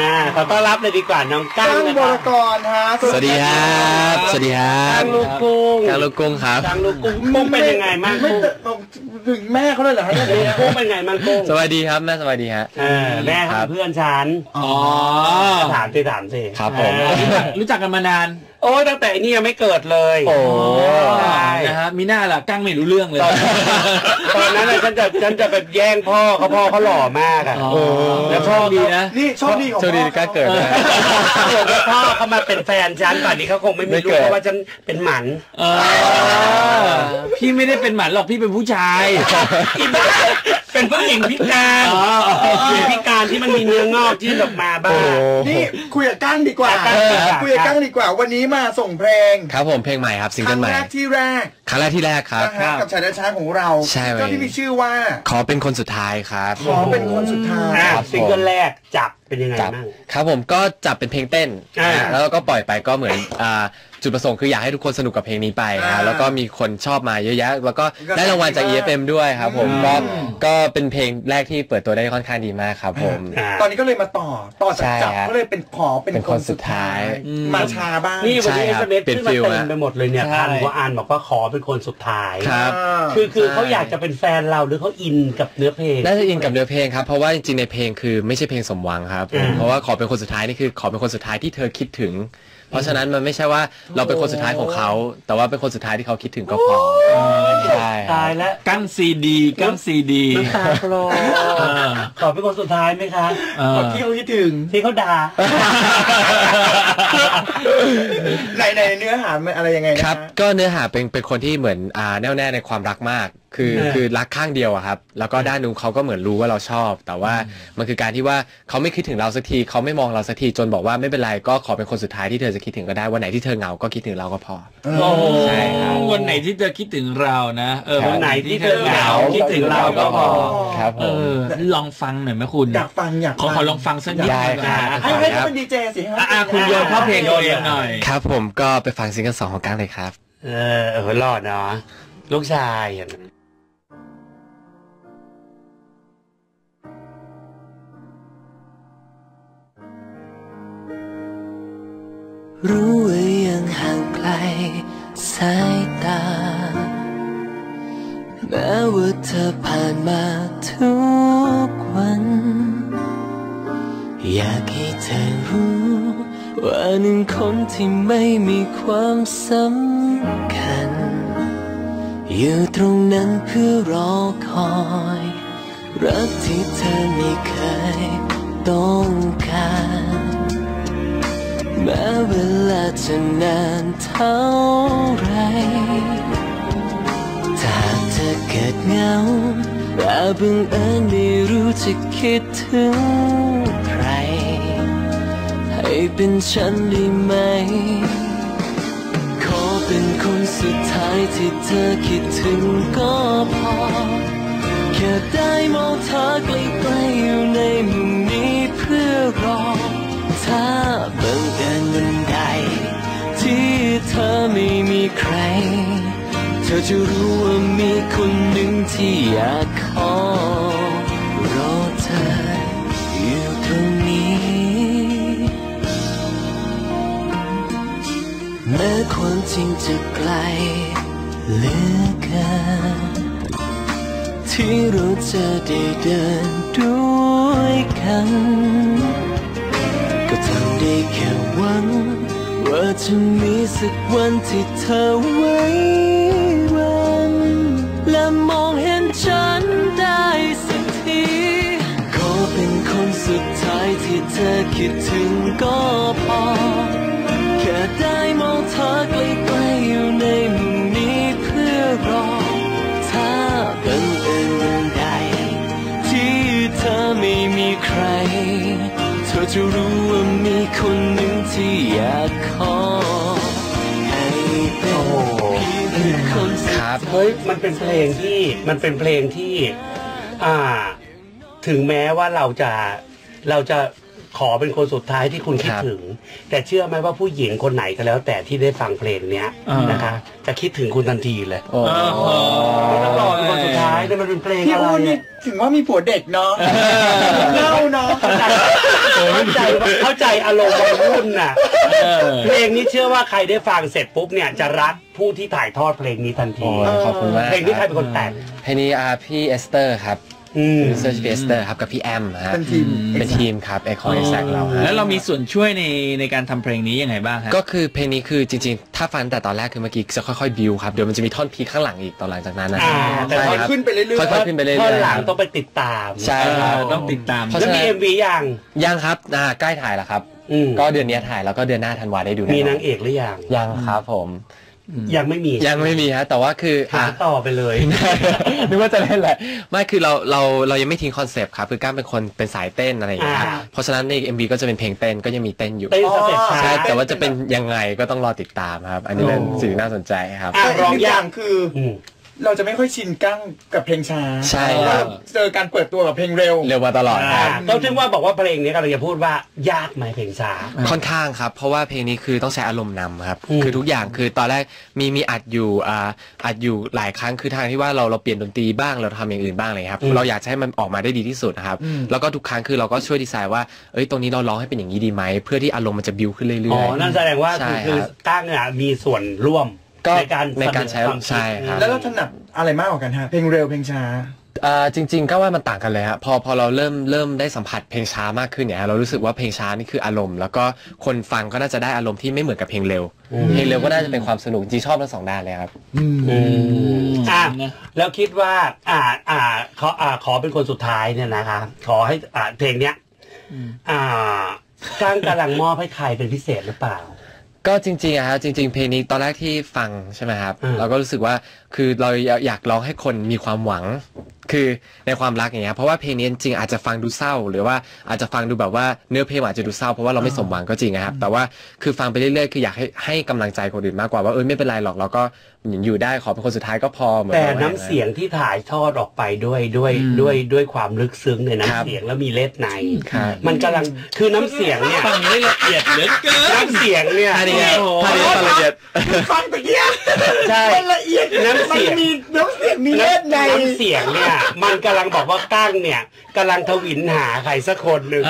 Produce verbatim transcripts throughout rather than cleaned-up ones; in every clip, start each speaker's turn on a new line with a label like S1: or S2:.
S1: อ่าขอต้อนรับเลยดีกว่าน้องกั้งนะค
S2: บ
S1: รั
S2: รกรฮะ
S3: สวัสดีครับสวัสดีครับ
S1: กั้งลูกกุ้ง
S3: กั้งลูกกุ้งครับ
S1: กั้งลูกกุ้งกุ้งเป็นยังไงมั่งกุ้ง
S2: ถึงแม่เขาเลยเหรอฮะ
S1: กุ้งเป็นไงมั่งกุ้ง
S3: สวัสดีครับแม่สวัสดีฮะ
S1: แม่ครับเพื่อนฉัน
S4: อ๋อ
S1: ถามสิถามสิ
S3: ครับผม
S4: รู้จักกันมานาน
S1: โอ้ตั้งแต่นี่ยังไม่เกิดเลย
S3: โอ้
S4: นะฮะมีหน้าล่ะกั้งไม่รู้เรื่องเลย
S1: ตอนนั้นฉันจะฉันจะไปแย่งพ่อเขาพ่อเขาหล่อมากอ่ะ
S4: แล้วพ่อดีนะ
S2: นี่โชคดีของ
S3: โชคดีก้าเกิดนะ
S1: พ่อเขามาเป็นแฟนฉันป่านนี้เขาคงไม่มีรู้ว่าฉันเป็นหมัน
S4: พี่ไม่ได้เป็นหมันหรอกพี่เป็นผู้ชายเป็นผู้หญิงพิการ
S1: พิการที่มันมีเนื้องอกยื่นออกมาบ้าง
S2: นี่คุยกับกั้งดีกว่าคุยกับกั้งดีกว่าวันนี้มาส่งเพลง
S3: ครับผมเพลงใหม่ครับซิงเกิลใหม่
S2: ครั้งแรกที่แรก
S3: ครั้งแรกที่แรกครับ
S2: กับชายแดนช้าของเรา
S3: ใช่
S2: ก็ที่มีชื่อว่า
S3: ขอเป็นคนสุดท้ายครับ
S2: ขอเป็นคนสุดท้าย
S1: ซิงเกิลแรกจับเป็นยังไงบ้าง
S3: ครับผมก็จับเป็นเพลงเต้นแล้วก็ปล่อยไปก็เหมือนจุดประสงค์คืออยากให้ทุกคนสนุกกับเพลงนี้ไปนะแล้วก็มีคนชอบมาเยอะแยะแล้วก็ได้รางวัลจาก อี เอฟ เอ็ม ด้วยครับผมก็ก็เป็นเพลงแรกที่เปิดตัวได้ค่อนข้างดีมากครับผม
S2: ตอนนี้ก็เลยมาต่อต่อจากจับก็เลยเป็นขอเป็นคนสุดท้ายมาชาบ้าง
S1: นี่วันนี้เอสเอ็มเอสขึ้นมาเต็มไปหมดเลยเนี่ยพันกว่าอ่านบอกว่าขอเป็นคนสุดท้าย
S3: ครับ
S1: คือคือเขาอยากจะเป็นแฟนเราหรือเขาอินกับเนื้อเพลง
S3: น่าจะอินกับเนื้อเพลงครับเพราะว่าจริงๆในเพลงคือไม่ใช่เพลงสมหวังครับเพราะว่าขอเป็นคนสุดท้ายนี่คือขอเป็นคนสุดท้ายที่เธอคิดถึงเพราะฉะนั้นมันไม่ใช่ว่าเราเป็นคนสุดท้ายของเขาแต่ว่าเป็นคนสุดท้ายที่เขาคิดถึงก็พอ
S1: ใช่ตายแล้ว
S4: กั้งซีดีกั้งซีดี
S1: น้ำตาคลอขอเป็นคนสุดท้ายไหมคะ
S2: ที่เขาคิดถึง
S1: ที่เขาด่า
S2: ในในเนื้อหาอะไรยังไง
S3: ครับก็เนื้อหาเป็นเป็นคนที่เหมือนอ่าแน่วแน่ในความรักมากคือคือรักข้างเดียวอะครับแล้วก็ด้านนู้นเขาก็เหมือนรู้ว่าเราชอบแต่ว่ามันคือการที่ว่าเขาไม่คิดถึงเราสักทีเขาไม่มองเราสักทีจนบอกว่าไม่เป็นไรก็ขอเป็นคนสุดท้ายที่เธอจะคิดถึงก็ได้วันไหนที่เธอเหงาก็คิดถึงเราก็พอ
S4: ใช่ครับวันไหนที่เธอคิดถึงเรานะเออ
S1: วันไหนที่เธอเหงาคิดถึงเราก็พอ
S3: ครับเอ
S4: อลองฟังหน่อยไหมคุณ
S2: อยากฟังอยาก
S4: ขอขอลองฟังสักนิด
S3: ได้
S2: ครับให้ให้เขาเป็นดีเจสิ
S4: อ่ะคุณโยนเข้าเพลงตัวเองหน่อย
S3: ครับผมก็ไปฟังซิงเกิลสองของกั้งเลยครับ
S1: เออเออรอดเนาะลูกชาย
S5: รู้ว่ายังห่างไกลสายตาแม้ว่าเธอผ่านมาทุกวันอยากให้เธอรู้ว่าหนึ่งคนที่ไม่มีความสำคัญอยู่ตรงนั้นเพื่อรอคอยรักที่เธอไม่เคยต้องการแม้เวลาจะนานเท่าไรถ้าเธอเกิดเหงาแต่บังเอิญไม่รู้จะคิดถึงใครให้เป็นฉันได้ไหมขอเป็นคนสุดท้ายที่เธอคิดถึงก็พอแค่ได้มองเธอใกล้ๆอยู่ในมุมนี้เพื่อรอถ้าบังเอิญวันใดที่เธอไม่มีใครเธอจะรู้ว่ามีคนหนึ่งที่อยากขอรอเธออยู่ตรงนี้แม้ความจริงจะไกลเหลือเกินที่เราจะได้เดินด้วยกันก็ทำได้แค่หวังว่าจะมีสักวันที่เธอไว้วันและมองเห็นฉันได้สักทีขอเป็นคนสุดท้ายที่เธอคิดถึงก็พอแค่ได้มองเธอใกล้ๆอยู่ในมุมนี้เพื่อรอถ้าบังเอิญวันใดที่เธอไม่มีใครเธอจะรู้ว่ามีคนหนึ่งที่อยากขอให้เป็นเพียงคน
S1: ครับเฮ้ยมันเป็นเพลงที่มันเป็นเพลงที่อ่าถึงแม้ว่าเราจะเราจะขอเป็นคนสุดท้ายที่คุณคิดถึงแต่เชื่อไหมว่าผู้หญิงคนไหนก็แล้วแต่ที่ได้ฟังเพลงเนี้ยนะคะจะคิดถึงคุณทันทีเลยไม่ต้องรอเป็นคนสุดท้ายแต่มันเป็นเพลงอะไร
S2: ถึงว่ามีผัวเด็กเนาะเล่าเนาะใจ
S1: คือเข้าใจอารมณ์วัยรุ่นน่ะเพลงนี้เชื่อว่าใครได้ฟังเสร็จปุ๊บเนี่ยจะรักผู้ที่ถ่ายทอดเพลงนี้ทันที
S3: ขอบคุณมาก
S1: เพลงนี้ใครเป็นคนแต่ง
S3: เพลงนี้พี่เอสเตอร์ครับเซอร์ชพี่เอสเตอร์ครับกับพี่แอมฮะเป็นทีมเป็นทีมครับไอคอนแซกเรา
S4: แล้วเรามีส่วนช่วยในในการทำเพลงนี้ยังไงบ้างฮะ
S3: ก็คือเพลงนี้คือจริงๆถ้าฟังแต่ตอนแรกคือเมื่อกี้จะค่อยๆบิวครับเดี๋ยวมันจะมีท่อนพีข้างหลังอีกตอนหลังจากนั้นนะ
S2: แต่ค่อยขึ้นไปเรื่อยๆ
S3: ค่อยๆขึ้นไปเรื่อยๆ
S1: ท่อนหลังต้องไปติดตาม
S3: ใช่ครับ
S4: ต้องติดตาม
S1: แล้วมี เอ็ม วี ยัง
S3: ยังครับใกล้ถ่ายแล้วครับก็เดือนนี้ถ่ายแล้วก็เดือนหน้าธันวาได้ดู
S1: มีนางเอกหรือยัง
S3: ยังครับผม
S1: ยังไม่มี
S3: ยังไม่มีฮะแต่ว่าคือ
S1: หาต่อไปเลย
S3: นึกว่าจะเล่นแหละไม่คือเราเราเรายังไม่ทิ้งคอนเซปต์ครับคือก้ามเป็นคนเป็นสายเต้นอะไรอย่างเงี้ยเพราะฉะนั้นใน เอ็ม วี ก็จะเป็นเพลงเต้นก็ยังมีเต้นอยู่
S1: เต้นสเต็ป
S3: ใช่แต่ว่าจะเป็นยังไงก็ต้องรอติดตามครับอันนี้เป็นสิ่งน่าสนใจครับ
S2: ร้องอย่างคือเราจะไม่ค่อยชินกั้งกับเพลงช้า
S3: ใช่ครับ
S2: เจอการเปิดตัวกับเพลงเร็ว
S3: เร็วมาตลอดครับ
S1: ก็ถึงว่าบอกว่าเพลงนี้กำลังจะพูดว่ายากไหมเพลงช้า
S3: ค่อนข้างครับเพราะว่าเพลงนี้คือต้องใช้อารมณ์นำครับคือทุกอย่างคือตอนแรกมีมีอัดอยู่อ่าอัดอยู่หลายครั้งคือทางที่ว่าเราเราเปลี่ยนดนตรีบ้างเราทำอย่างอื่นบ้างเลยครับเราอยากให้มันออกมาได้ดีที่สุดนะครับแล้วก็ทุกครั้งคือเราก็ช่วยดีไซน์ว่าเอ้ยตรงนี้เราร้องให้เป็นอย่างนี้ดีไหมเพื่อที่อารมณ์มันจะบิวขึ้นเรื่อยๆอ๋
S1: อนั่นแสดงว่าคือตั้งเนี่ยมีส่วนร่วมในการ
S3: ในการใช้ใช่ครับ
S2: แล้วเราถนัดอะไรมากกว่ากันฮะเพลงเร็วเพลงช้า
S3: อ่าจริงๆก็ว่ามันต่างกันเลยครับพอพอเราเริ่มเริ่มได้สัมผัสเพลงช้ามากขึ้นเนี่ยเรารู้สึกว่าเพลงช้านี่คืออารมณ์แล้วก็คนฟังก็น่าจะได้อารมณ์ที่ไม่เหมือนกับเพลงเร็วเพลงเร็วก็น่าจะเป็นความสนุกจริงชอบทั้งสองด้านเลยครับ
S1: อืมอ่าแล้วคิดว่าอ่าอ่าขออ่าขอเป็นคนสุดท้ายเนี่ยนะคะขอให้อ่าเพลงเนี้ยอ่าก้างกำลังมอบให้ใครเป็นพิเศษหรือเปล่า
S3: ก็จริงๆอะครับจริงๆเพลงนี้ตอนแรกที่ฟังใช่ไหมครับเราก็รู้สึกว่าคือเราอยากร้องให้คนมีความหวังคือในความรักอย่างเงี้ยเพราะว่าเพลงนี้จริงๆอาจจะฟังดูเศร้าหรือว่าอาจจะฟังดูแบบว่าเนื้อเพลงอาจจะดูเศร้าเพราะว่าเราไม่สมหวังก็จริงนะครับแต่ว่าคือฟังไปเรื่อยๆคืออยากให้ให้กำลังใจคนอื่นมากกว่าว่าเออไม่เป็นไรหรอกเราก็อยู่ได้ขอเป็นคนสุดท้ายก็พอเหมือน
S1: แต่น้ำเสียงที่ถ่ายทอดออกไปด้วยด้วยด้วยด้วยความลึกซึ้งในน้ำเสียงแล้วมีเล็ดในมันกำลังคือน้ำเสียงเนี่ย
S4: ฟังได้ละเอียดเหลือเกิน
S1: น้ำเสียงเนี่ย
S3: ท่านี้ท่านี้ฟังละเอียด
S2: ฟังตะเกียบ
S1: ใช่
S2: ละเอียดน้ำเสียงมีน้ำเสียงมีเล็ดใน
S1: น้ำเสียงเนี่ยมันกำลังบอกว่าก้างเนี่ยกำลังทวินหาใครสักคนหนึ่ง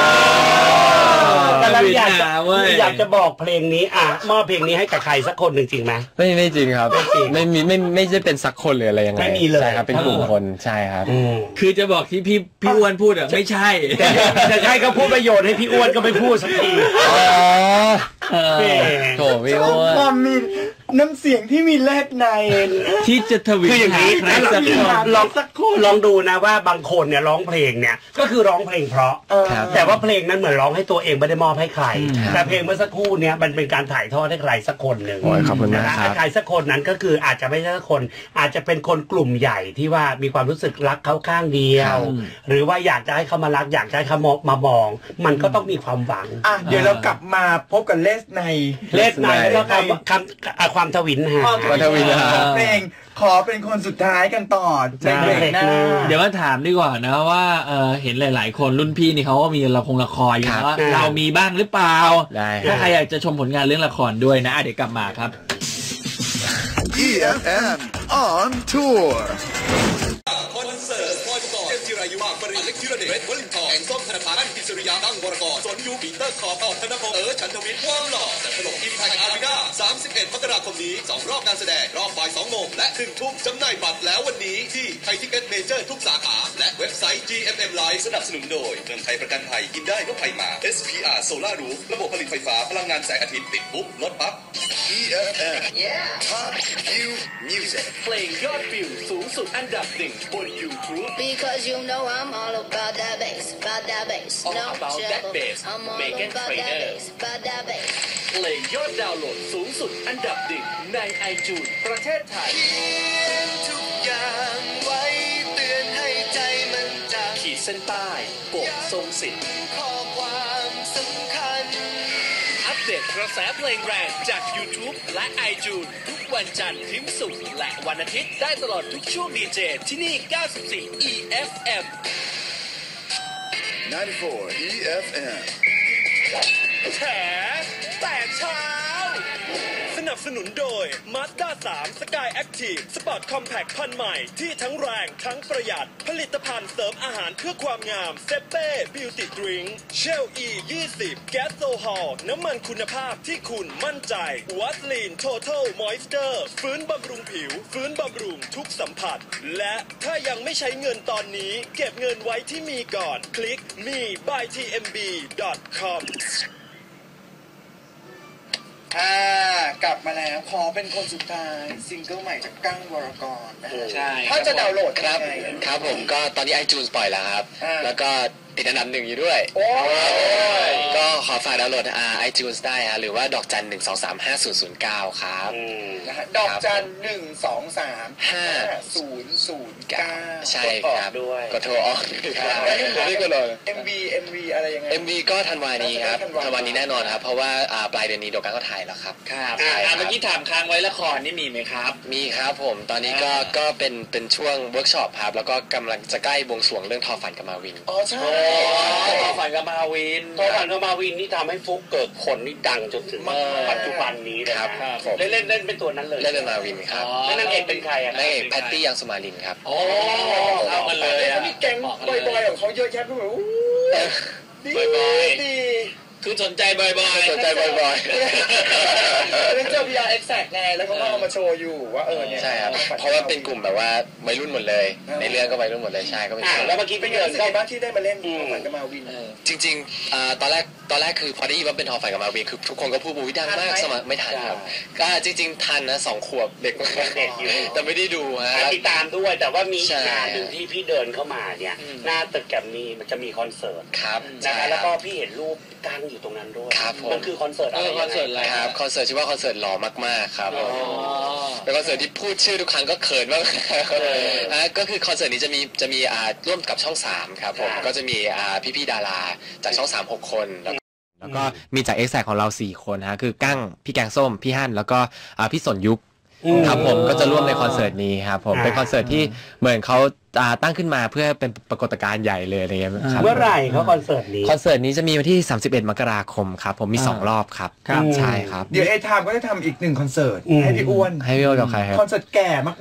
S1: กำลังอยากจะอยากจะบอกเพลงนี้อ่ะมอบเพลงนี้ให้กับใครสักคนหนึ่งจริงไหม
S3: ไม่ไม่จริงครับไม่มีไม่ไม่ใช่เป็นสักคนหรืออะไรยังไง
S1: ไม่มีเลย
S3: ใช่ครับเป็นกลุ่มคนใช่ครับ
S4: คือจะบอกที่พี่พี่อ้วนพูดอ่ะไม่ใช่
S1: แต่ใช่เขาพูดประโยชน์ให้พี่อ้วนก็ไม่พูดสักที
S3: อ๋อโถพี่อ้วน
S2: ความมีน้ำเสียงที่มีแลกใน
S4: ที่จะทวินหาใครสักคน
S1: ลองสักคนลองดูนะว่าบางคนเนี่ยร้องเพลงเนี่ยก็คือร้องเพลงเพราะแต่ว่าเพลงนั้นเหมือนร้องให้ตัวเองไม่ได้มอบให้ใครแต่เพลงเมื่อสักครู่เนี่ยมันเป็นการถ่ายทอดให้ใครสักคนหนึ่ง
S3: ขอบคุณมากครับ
S1: ใครสักคนนั้นก็คืออาจจะไม่ใช่สักคนอาจจะเป็นคนกลุ่มใหญ่ที่ว่ามีความรู้สึกรักเขาข้างเดียวหรือว่าอยากจะให้เขามารักอยากจะให้เขามามองมันก็ต้องมีความหวัง
S2: อ่ะเดี๋ยวเรากลับมาพบกับเลสใน
S1: เลสในแล้วก็คำความทวินหา
S3: ความทวินหา
S2: เพลงขอเป็นคนสุดท้ายกันต่อในเบรกหน้า
S4: เดี๋ยวมาถามดีกว่านะว่าเออเห็นหลายๆคนรุ่นพี่นี่เขาก็มีละครละครอยู่นะเรามีบ้างหรือเปล่าถ้าใครอยากจะชมผลงานเรื่องละครด้วยนะเดี๋ยวกลับมาครับ
S6: อี เอฟ เอ็ม on tour
S7: คอนเสิร์ตพลอยประกอบเจมส์จิรายุมากปริเล็กธีรเดชวลินทร์แห่งส้มธนาคารอิสริยาตั้งวรกรสนยูปีเตอร์ขอบออกธนพงษ์เออฉันทวิทย์ความหล่อแต่ถล่มทีมไทยอารีนาสามสิบเอ็ดมกราคมนี้สองรอบการแสดงรอบบ่ายสองโมงและหนึ่งทุ่มจำหน่ายบัตรแล้ววันนี้ที่ไทยทิกเก็ตเมเจอร์ทุกสาขาและเว็บไซต์ จี เอ็ม เอ็ม Live สนับสนุนโดยเมืองไทยประกันภัยกินได้ก็ภัยมา เอส พี อาร์ Solar Roof ระบบผลิตไฟฟ้าพลังงานแสงอาทิตย์ติดปุ๊บลดปั๊บ อี เอฟ เอ็ม Top View Music เพลงยอดวิวสูงสุดอันดับหนึ่งบน YouTube
S8: Because you know I'm all about that bass about that bass
S7: no trouble
S8: I'm all about that bass about that bass
S7: เพลงยอดดาวน์โหลดสูงสุดอันดับหนึ่งใน iTunes ประเทศไทย
S8: ทุกอย่างไว้เตือนให้ใจมันจำ
S7: ขีดเส้นใต้โกบทรงสิทธิ์
S8: ข้อความสำคัญ
S7: อัปเดตกระแสเพลงแรงจาก YouTube และ iTunes ทุกวันจันทร์ถึงศุกร์และวันอาทิตย์ได้ตลอดทุกช่วงดีเจที่นี่เก้าสิบสี่ อี เอฟ เอ็ม
S6: เก้าสิบสี่ อี เอฟ เอ็ม
S7: แฉแต่เช้าส
S8: นับสนุนโดย Mazda สาม Sky Active Sport Compact พันใหม่ที่ทั้งแรงทั้งประหยัดผลิตภัณฑ์เสริมอาหารเพื่อความงามเซเป้ Beauty Drink Shell E ยี่สิบ Gas Sohol น้ำมันคุณภาพที่คุณมั่นใจ Vaseline Total Moisture ฟื้นบำรุงผิวฟื้นบำรุงทุกสัมผัสและถ้ายังไม่ใช้เงินตอนนี้เก็บเงินไว้ที่มีก่อนคลิก มี บาย ที เอ็ม บี ดอท คอม
S2: อ่ากลับมาแล้วขอเป็นคนสุดท้ายซิงเกิลใหม่จากกั้งวรกรนะฮะ
S4: ใช่
S2: ถ้าจะดาวน์โหลด
S3: ครับ
S2: ยังไง
S3: ครับผมก็ตอนนี้ iTunes ปล่อยแล้วครับ
S2: อ่า
S3: แล้วก็ติดอันดับหนึ่งอยู่ด้วย
S2: โอ้ย
S3: ก็ขอฝากดาวน์โหลดอ่า iTunes ได้ฮะหรือว่าดอกจันหนึ่งสองสามห้าศูนย์ศูนย์เก้าครับ
S2: นะฮะดอกจันหนึ่งสองสาม
S3: ห้า
S2: ศูนย์ศูนย์เก้า
S3: ใช่ครับด้วยกดโทรออกครับ
S2: แล้ว
S3: ไม่ก็เลย
S2: เอ็ม วี เอ็ม วี อะไรยังไง
S3: เอ็ม วี ก็ธันวานี้ครับ
S2: ธันวา
S3: ธันวานี้แน่นอนครับเพราะว่าอ่าปลายเดือนนี้โดกันก็ถ่ายแล้วครับ
S4: ครับ
S3: ใช่ค
S4: อ่า
S3: รับ
S4: เมื่อกี้ถามค้างไว้ละครนี่มีไหมครับ
S3: มีครับผมตอนนี้ก็
S4: อ่า
S3: ก็เป็นเป็นช่วงเวิร์กช็อปครับแล้วก็กำลังจะใกล้บวงสรวงเรื่องทอฝันกับมาวิน
S2: อ๋อใช่
S4: ทอฝันกับมาวิน
S1: ตอนฝันกับมาวินนี่ทำให้ฟุกเกิดผลนี่ดังจนถึงปัจจุบันนี้เลย
S3: ครับ
S1: นะครับ เล่นเล่นเล่นเป็นตัวนั้นเลย
S3: เล่นเป็นมาวินครับ
S4: อ๋อ
S1: แล้วนางเอกเป็นใครอ่ะ
S3: นางเอกแพตตี้ยังสุมาลินครับ
S4: โอ้เข้ากันเลย
S2: แล้ว
S4: อะ
S2: มีแก๊งบอยๆของเขาเยอะแยะไปหมดอู้ดี
S4: บอยๆ
S2: ดี
S4: คือสนใจบ่อยๆ
S3: สนใจบ่อย
S2: เล่นเจอ พี อาร์ Exact ไงแล้วเขาก็เอามาโชว์อยู่ว่าเออเนี่ย
S3: ๆใช่ครับเพราะว่าเป็นกลุ่มแบบว่าวัยรุ่นหมดเลย ในเรื่องก็วัยรุ่นหมดเลยใช่ก็เป็น
S1: อ่ะ
S3: ช่วง
S1: แล้วเมื่อกี้ไป
S2: เป็นไง
S1: เดิน
S2: รู้สึก
S1: ก็
S2: ไงบ้างที่ได้มาเล่นทอฝันกับมาวิน
S3: จริงๆอ่าตอนแรกตอนแรกคือพอได้ยินว่าเป็นทอฝันกับมาวินคือทุกคนก็พูดบูวิดังมากสมัครไม่ทันครับก็จริงๆทันนะสองขวบเด็กมาก
S1: เด็กอยู่
S3: แต่ไม่ได้ดูฮะ
S1: ติดตามด้วยแต่ว่ามี
S3: ใช่
S1: งานหนึ่งที่พี่เดินเข้ามาเนี่ยหน้าตึกแกรมมี่มันจะมีคอนเสิร์ต
S3: ครับ
S1: นะ
S3: ใช่
S1: คะ
S3: ค
S1: แล้ว
S3: รับ
S1: ก็พี่เห็นรูปกั้งอยู่ตรงนั้นด้วย
S3: ครับผม
S1: มันคือคอนเสิร์ตอะไร
S4: เออคอนเสิร์ตอะไร
S3: ครับคอนเสิร์ตชื่อว่าคอนเสิร์ตหล่อมากๆครับผมเป็นคอนเสิร์ตที่พูดชื่อทุกครั้งก็เขินมากนะก็คือคอนเสิร์ตนี้จะมีจะมีอ่าร่วมกับช่องสามครับผมก็จะมีอ่าพี่ๆดาราจากช่องสามหกคนแล้วก็แล้วก็มีจากเอ็กแซกของเราสี่คนฮะคือกั้งพี่แกงส้มพี่ฮั่นแล้วก็อ่าพี่สนยุคครับผมก็จะร่วมในคอนเสิร์ตนี้ครับผมเป็นคอนเสิร์ตที่เหมือนเขาอ่าตั้งขึ้นมาเพื่อเป็นปรากฏการณ์ใหญ่เลยอะไรเงี้ยครับ
S1: เมื่อไหร่เขาคอนเสิร์ตนี้
S3: คอนเสิร์ตนี้จะมีวันที่สามสิบเอ็ดมกราคมครับผมมีสองรอบครับ
S1: ครับ
S3: ใช่ครับ
S2: เดี๋ยวเอทามก็จะทำอีกหนึ่งคอนเสิร์ต
S1: อืม
S2: ให้พี่อ้วน
S3: ให้พี่โอกับใครครับ
S2: คอนเสิร์ตแก่มาก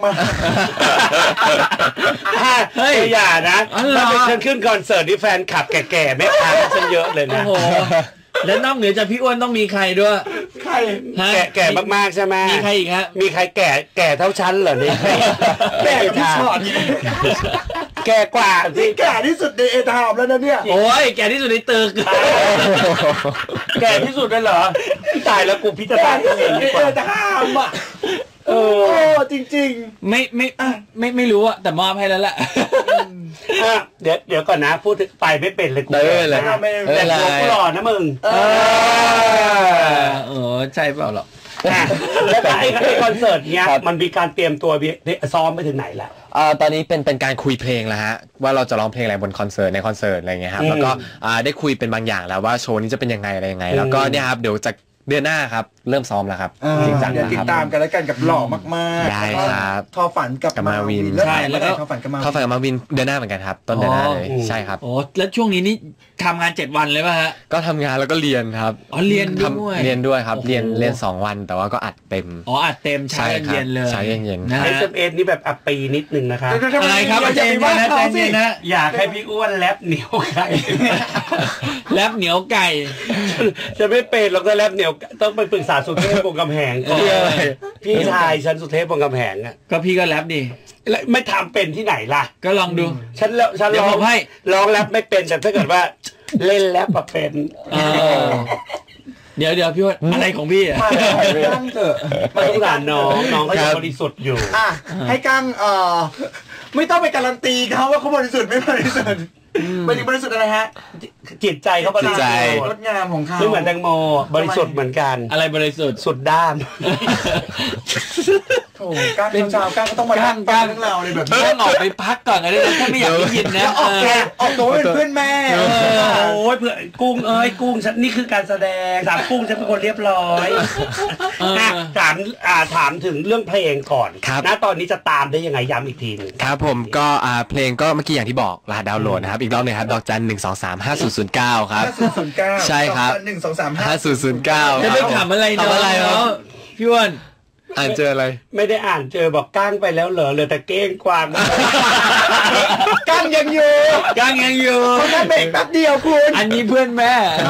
S1: เฮ้ยอย่านะ
S4: อ๋อเหรอ
S1: ถ้าเป็นฉันขึ้นคอนเสิร์ตนี่แฟนคลับแก่ๆแม่ค้าฉันเยอะเลย
S4: โอ้
S1: นะ
S4: โหแล้วนอกเหนือจากพี่อ้วนต้องมีใครด้วย
S2: ๆ ใคร
S4: ฮะ
S1: แก่แก่มากๆใช่ไหม
S4: มีใครอีกฮะ
S1: มีใครแก่แก่เท่าฉันเหรอเนี่ย
S2: แก่กับพี่ชอต
S1: แก่กว่าสิ
S2: นี่แก่ที่สุดในเอทามแล้วนะเนี่ย
S4: โอ้ยแกที่สุดในตึก
S1: แก่ที่สุดเลยเหรอตายแล้วกูพิจาร
S2: แก่
S1: ณา
S2: ที่
S1: เอ
S2: สุด
S1: ง
S2: ใน
S1: ดีก
S2: เอ
S1: ว่า
S2: ทามอ่ะ
S1: เอ
S2: โอ้
S1: อ
S2: จริง
S4: ไม่ไม่ไม่ไม่รู้อะแต่มอบให้แล้วแหละ
S1: อ่ะเดี๋ยวเดี๋ยวก่อนนะ พูดถึงไปไม่เป็นเลยกู
S3: ได้เลย
S1: นะ
S2: ไม่
S1: แต่ตัวกูหล่อนะมึง
S2: เอ
S4: เออใช่เปล่าหรอก
S1: อ่ะแล้วไอ้ไอ้คอนเสิร์ตเนี้ย
S3: ครับ
S1: มันมีการเตรียมตัวซ้อมไปถึงไหนแล้ว
S3: อ่าตอนนี้เป็นเป็นการคุยเพลงแล้วฮะว่าเราจะร้องเพลงอะไรบนคอนเสิร์ตในคอนเสิร์ตอะไรเงี้ยครับ
S1: อืม
S3: แล้วก็อ่าได้คุยเป็นบางอย่างแล้วว่าโชว์นี้จะเป็นยังไงอะไรยังไง แล้วก็เนี่ยครับเดี๋ยวจะเดือนหน้าครับเริ่มซ้อมแล้วครับ
S2: เออ
S3: จริงจัง
S2: เดี๋ยว
S3: นะ
S2: ติ
S3: ค
S2: ด
S3: รับ
S2: ตามกันแล้วกันกับหล่อมากๆ
S3: ได้ครับ
S2: ทอฝันกับ
S3: กับมาวิน
S2: แล้ว
S4: ใช่
S2: ถ่าย
S4: แล้
S2: เมื่อ
S4: ว
S2: ไห
S4: ก็
S2: ร่ทอฝันกับมาวิน
S3: เข้าฝันกับมาวินเดือนหน้าเหมือนกันครับต้นเดือนหน้าเลย
S1: อ๋อ
S3: ใช่ครับ
S4: โอ้แล้วช่วงนี้นี่ทำงานเจ็ดวันเลยป่ะฮะ
S3: ก็ทำงานแล้วก็เรียนครับ
S4: อ๋อเรียน
S3: ท
S4: ด้วย
S3: ำเรียนด้วยครับ
S4: โอ้โห
S3: เรียนเรียนสองวันแต่ว่าก็อัดเต็ม
S4: อ๋ออัดเต็มเช้า
S3: ใช่ครับ
S4: เย็นๆเลย
S3: เช้าเย็นๆ
S4: นะ
S1: เอ
S4: ฮะ
S1: สเอสนี่แบบอัปปีนิดนึงนะคะ
S2: เดี๋ยวๆๆ
S4: อะไรครับ
S2: อย่า
S4: ใจ
S2: อย่าไป
S4: เย็น
S2: ว่า
S4: นะใจ
S2: เขาสิ
S4: เย็นนะ
S1: อยากให้พี่อ้วนแลบเหนียวไก่
S4: แลบเหนียวไก่
S1: จะไม่เป็นหรอกถ้าแลบเหนียวต้องไปปรึกษาสุเทพวงศ์กำแหงก่อน
S3: เรื่องอะไร
S1: พี่ชายฉันสุเทพวงศ์กำแหงอ่ะ
S4: ก็พี่ก็แลบดิ
S1: แล้วไม่ทำเป็นที่ไหนล่ะ
S4: ก็ลองดู
S1: ฉันแล้วฉัน
S4: เดี๋ย
S1: ร้
S4: ว
S1: อง
S4: ผมให้
S1: ร้องแรปไม่เป็นแต่ถ้าเกิดว่าเล่นแรปอะเป็น
S4: เออเดี๋ยวเดี๋ยวพี่ว่าอะไรของพี่อะ
S2: มาให้กั้งเถอะ
S1: มาสงสารน้องน้องก็ยังบริสุทธิ์อยู่
S2: อ่ะให้กั้งเอ่อไม่ต้องไปการันตีเขาว่าเขาบริสุทธิ์ไม่บริสุทธิ์บริบริสุทธิ์อะไรฮะ
S1: จิตใจเขาบริสุทธิ์
S3: จิตใจ
S2: งดงามของเขา
S1: ไม่เหมือนแตงโมบริสุทธิ์เหมือนกัน
S4: อะไรบริสุทธิ์
S1: สุดด้าน
S2: โถ่ก้างเช้าๆก้างก็ต้องมา
S4: ก้าง
S2: ก้า
S4: ก้าง ง
S2: เรื่องราวอะไรแบบนี้
S4: ต้องออกไปพักก่อนก็ได้นะถ้าไม่อยากได้ยินนะ
S2: ออกตัวออกตัวเป็นเพื่อนแม่
S1: เออโอ้ยเพื่อนกุ้งเอ้ยกุ้งฉันนี่คือการแสดงถามกุ้งฉันเป็นคนเรียบร้อยอ่ะถามอ่าถามถึงเรื่องเพลงก่อน
S3: ครับ
S1: ณตอนนี้จะตามได้ยังไงย้ำอีกทีหนึง
S3: ครับผมก็อ่าเพลงก็เมื่อกี้อย่างที่บอกรหัสดาวน์โหลดนะครับอีกรอบหนึงครับดอกจันหนึ่งสองสามห้าศูนย์ศูนย์เก้าครับ
S2: ห้าศูนย์ศูนย์เก้า
S3: ใช่ครับ
S2: หนึ่งสองสามห้า
S3: ห้าศูนย์ศูนย์เก้า
S4: จะไปถามอะไรเนาะ
S3: ทำอะไรครับ
S4: พี่อ้วน
S3: อ่านเจออะไร
S1: ไม่ได้อ่านเจอบอกก้างไปแล้วเหรอเหลือแต่เก้งกวาง
S2: ก้างยังอยู่
S4: ก้างยังอยู่
S2: เขาแค่เบรกแป๊บเดียวคุณ
S4: อันนี้เพื่อนแม่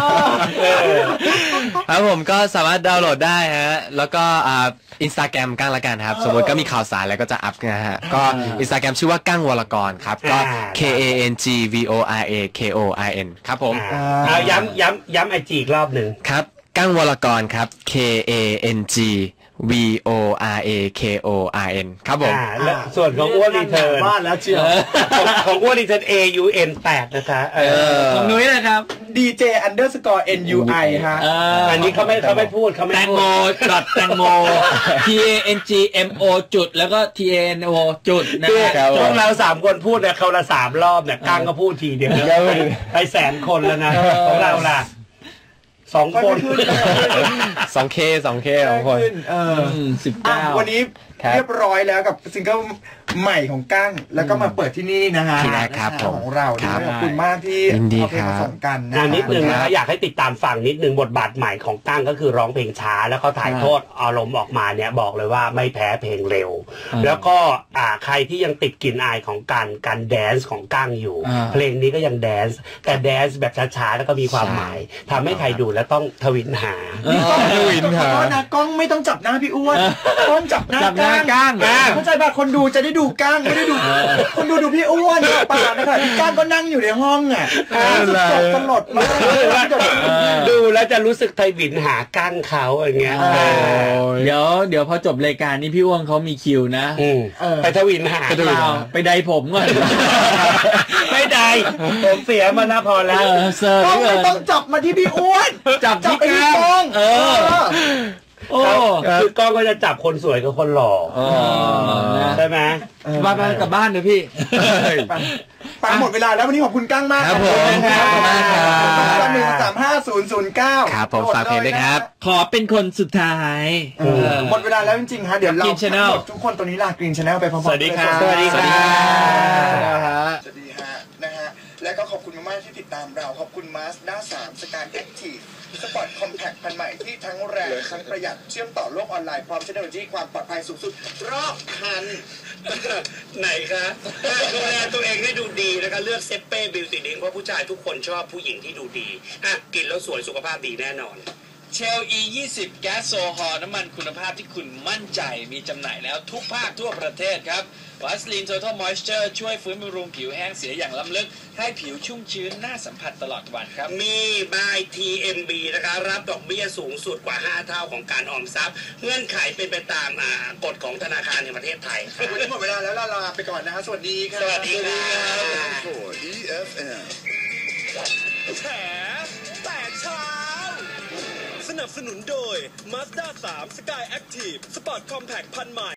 S3: ครับผมก็สามารถดาวน์โหลดได้ฮะแล้วก็อ่าอินสตาแกรมก้างละกันครับสมมติก็มีข่าวสารแล้วก็จะอัพนะฮะก็อินสตาแกรมชื่อว่าก้างวรกรครับก็ K A N G V O R A K O R N ครับผม
S1: เอาย้ำย้ำย้ำไอจีอีกรอบหนึ่ง
S3: ครับก้างวรกรครับ K A N G V O R A K O R N ครับผม
S1: และส่วนของอ้วนรีเทิร์น
S2: บ้านแล้วเชียว
S1: ของอ้วนรีเทิร์น A U N แปดนะคะ
S4: ของนุ้ยนะครับ
S2: ดี เจ underscore N U I ฮะ
S1: อันนี้เขาไม่เขาไม่พูดเขาไม่
S4: แตงโมจอดแตงโม T A N G M O จุดแล้วก็ T A N O จุด
S1: นะครับพวกเราสามคนพูดเนี่ยเขาละสามรอบเนี่ยก้างก็พูดทีเดียวไปแสนคนแล้วนะของเราล่ะสองคน
S3: สองเคสองเคสองคน
S2: เออสิบเก้าวันนี้เรียบร้อยแล้วกับซิงเกิลใหม่ของกั้งแล้วก็มาเปิดที่นี่นะฮะ
S3: ที่แรกครับ
S2: ของเราขอบคุณมากที่เอาเพลงมาส่งกัน
S1: นะนิดนึงนะอยากให้ติดตามฟังนิดนึงบทบาทใหม่ของกั้งก็คือร้องเพลงช้าแล้วก็ถ่ายทอดอารมณ์ออกมาเนี่ยบอกเลยว่าไม่แพ้เพลงเร็วแล้วก็อ่าใครที่ยังติดกลิ่นอายของการการแดนซ์ของกั้งอยู่เพลงนี้ก็ยังแดนซ์แต่แดนซ์แบบช้าๆแล้วก็มีความหมายทำให้ใครดูแล้วต้องทวินหา
S2: ทวินหานะกล้องไม่ต้องจับหน้าพี่อ้วนกล้องจับหน้ากั้งเข้าใจป่ะคนดูจะได้ดูกั้งไม่ได้ดูคนดูดูพี่อ้วนป่านะคะพี่กั้งก็นั่งอยู่ในห้องอ่ะตลอดมาก
S1: ดูแล้วจะรู้สึกไทวินหากั้งเขาอย่างเงี้ย
S4: เดี๋ยวเดี๋ยวพอจบรายการนี้พี่อ้วนเขามีคิวนะ
S1: ไปทวินหา
S4: ไปไดผมก่อน
S1: ไม่ได้ผมเสียมานะพอแล้ว
S2: ต้องไม่ต้องจับมาที่พี่อ้วน
S4: จับที่
S2: กั้ง
S1: เออโอ้คือกล้องก็จะจับคนสวยกับคนหล่อใช่ไหม
S4: บ้านกลับบ้านเลยพี่
S2: ไปหมดเวลาแล้ววันนี้ขอบคุณกั้งมาก
S3: ครับผมขอบคุณมากครับ
S2: หนึ่งสามห้าศูนย์ศูนย์เก้า
S3: ครับผมฝากเพลงด้วยครับ
S4: ขอเป็นคนสุดท้าย
S2: หมดเวลาแล้วจริงๆฮะเดี๋ยวเราทุกคนตัวนี้ลากรีนชาแนลไปพร้อมๆกัน
S1: สวัสดีครับสวัสดีครับ
S2: สวัสดีฮะนะฮะและก็ขอบคุณมากๆที่ติดตามเราขอบคุณ Mazda สาม Sky Active สปอร์ตคอมแพคพันใหม่ที่ทั้งแรงทั้งประหยัดเชื่อมต่อโลกออนไลน์พร้อมเทคโนโลยีความปลอดภัยสูงสุดรอบคัน
S7: ไหนคะดูแลตัวเองให้ดูดีนะคะเลือกเซเป้บิวตี้ดิ้งเพราะผู้ชายทุกคนชอบผู้หญิงที่ดูดีอ่ะกินแล้วสวยสุขภาพดีแน่นอน
S9: เชล อี ยี่สิบ แก๊สโซฮอล์น้ำมันคุณภาพที่คุณมั่นใจมีจำหน่ายแล้วทุกภาคทั่วประเทศครับวัสลีน Total Moisture ช่วยฟื้นบำรุงผิวแห้งเสียอย่างล้ำลึกให้ผิวชุ่มชื้นน่าสัมผัสตลอดวันครับ
S7: มีบาย ที เอ็ม บี นะคะรับดอกเบี้ยสูงสุดกว่าห้าเท่าของการออมทรัพย์เงื่อนไขเป็นไปตามกฎของธนาคารแห่งประเทศไทย
S2: วันนี้หมดเวลาแล้วลาไปก่อนนะฮะสวัสดีครับ
S7: สวัสดีครับ
S6: อี เอฟ เอ็ม
S8: แฉแตกเช้าสนับสนุนโดย Mazda สาม Sky Active Sport Compact พันใหม่